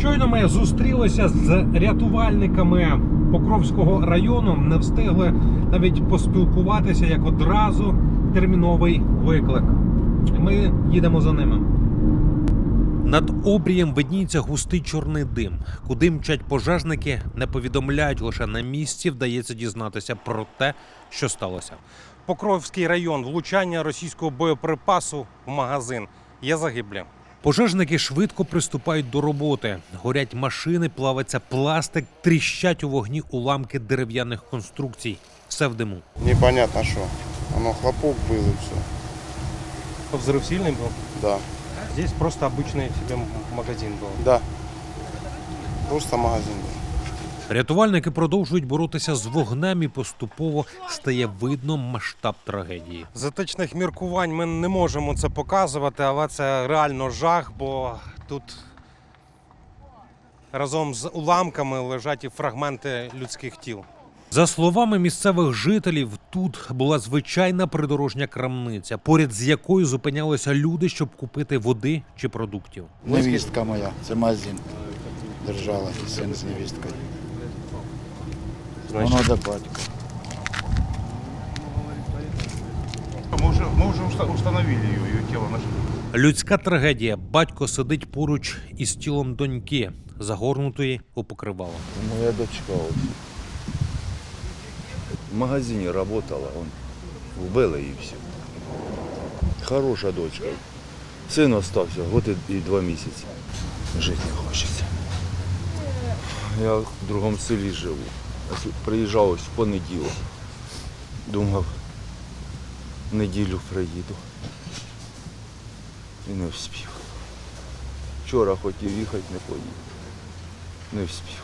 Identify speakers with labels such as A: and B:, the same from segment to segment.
A: Щойно ми зустрілися з рятувальниками Покровського району, не встигли навіть поспілкуватися, як одразу терміновий виклик. Ми їдемо за ними. Над обрієм видніється густий чорний дим. Куди мчать пожежники, не повідомляють, лише на місці вдається дізнатися про те, що сталося. Покровський район. Влучання російського боєприпасу в магазин. Є загиблі. Пожежники швидко приступають до роботи. Горять машини, плавиться пластик, тріщать у вогні уламки дерев'яних конструкцій. Все в диму.
B: Непонятно что. Оно хлопок был и все.
A: Взрыв сильный был?
B: Да.
A: Здесь просто обычный себе магазин был.
B: Да. Просто магазин был.
A: Рятувальники продовжують боротися з вогнем і поступово стає видно масштаб трагедії. З етичних міркувань ми не можемо це показувати, але це реально жах, бо тут разом з уламками лежать і фрагменти людських тіл. За словами місцевих жителів, тут була звичайна придорожня крамниця, поряд з якою зупинялися люди, щоб купити води чи продуктів.
C: Невістка моя, це магазин держала, син з невісткою. Воно до батька.
D: Мы уже установили ее тело нашли.
A: Людська трагедія. Батько сидить поруч із тілом доньки, загорнутої у покривало.
E: Моя дочка ось. В магазині працювала, вбили і все. Хороша дочка. Син остався, год і 2 місяці. Жити не хочеться. Я в другому селі живу. Приїжджав ось в понеділок. Думав, в неділю приїду. І не встиг. Вчора хотів їхати, не поїхав. Не встиг.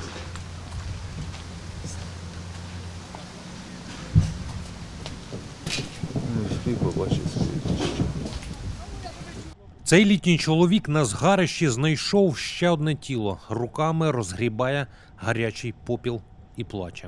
E: Не встиг побачити свою дочку.
A: Цей літній чоловік на згарищі знайшов ще одне тіло. Руками розгрібає гарячий попіл і плаче.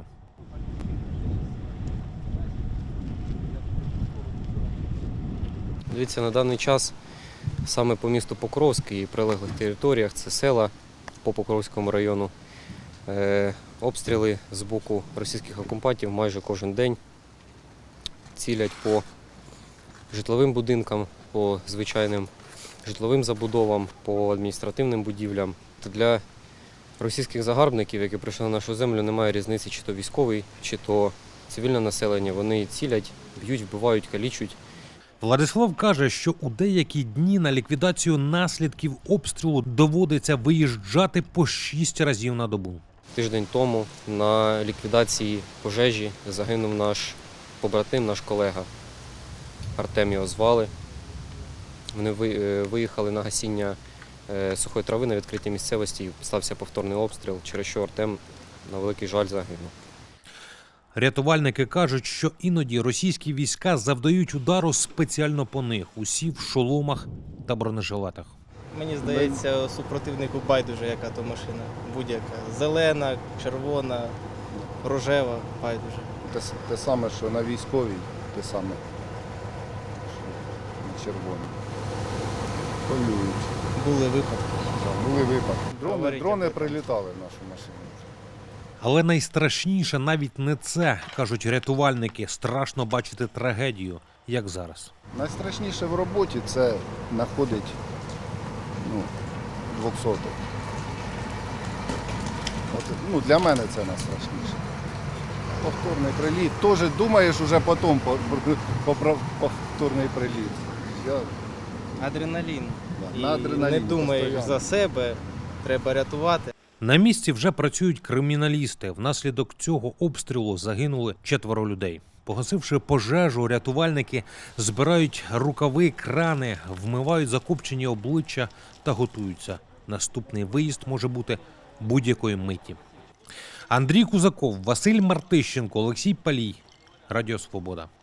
F: Дивіться, на даний час саме по місту Покровськ і прилеглих територіях, це села по Покровському району, обстріли з боку російських окупантів майже кожен день. Цілять по житловим будинкам, по звичайним житловим забудовам, по адміністративним будівлям. Для російських загарбників, які прийшли на нашу землю, немає різниці, чи то військовий, чи то цивільне населення. Вони цілять, б'ють, вбивають, калічать.
A: Владислав каже, що у деякі дні на ліквідацію наслідків обстрілу доводиться виїжджати по 6 разів на добу.
F: Тиждень тому на ліквідації пожежі загинув наш побратим, наш колега. Артем його звали. Вони виїхали на гасіння сухої трави на відкритій місцевості, стався повторний обстріл, через що Артем, на великий жаль, загинув.
A: Рятувальники кажуть, що іноді російські війська завдають удару спеціально по них, усі в шоломах та бронежилетах.
G: Мені здається, супротивнику байдуже, яка то машина, будь-яка. Зелена, червона, рожева, байдуже.
C: Те саме, що на військовій, те саме, що на червоній. Полюють.
G: Були випадки.
C: Були випадки. Дрони прилітали в нашу машину.
A: Але найстрашніше навіть не це, кажуть рятувальники. Страшно бачити трагедію, як зараз.
C: Найстрашніше в роботі це знаходить 200-х. Для мене це найстрашніше. Повторний приліт. Теж думаєш уже потім про повторний приліт.
G: Адреналін.
C: Да,
G: І
C: на адреналіні
G: не думаєш
C: постійно.
G: за себе, треба рятувати.
A: На місці вже працюють криміналісти. Внаслідок цього обстрілу загинули 4 людей. Погасивши пожежу, рятувальники збирають рукави, крани, вмивають закопчені обличчя та готуються. Наступний виїзд може бути будь-якої миті. Андрій Кузаков, Василь Мартищенко, Олексій Палій. Радіо Свобода.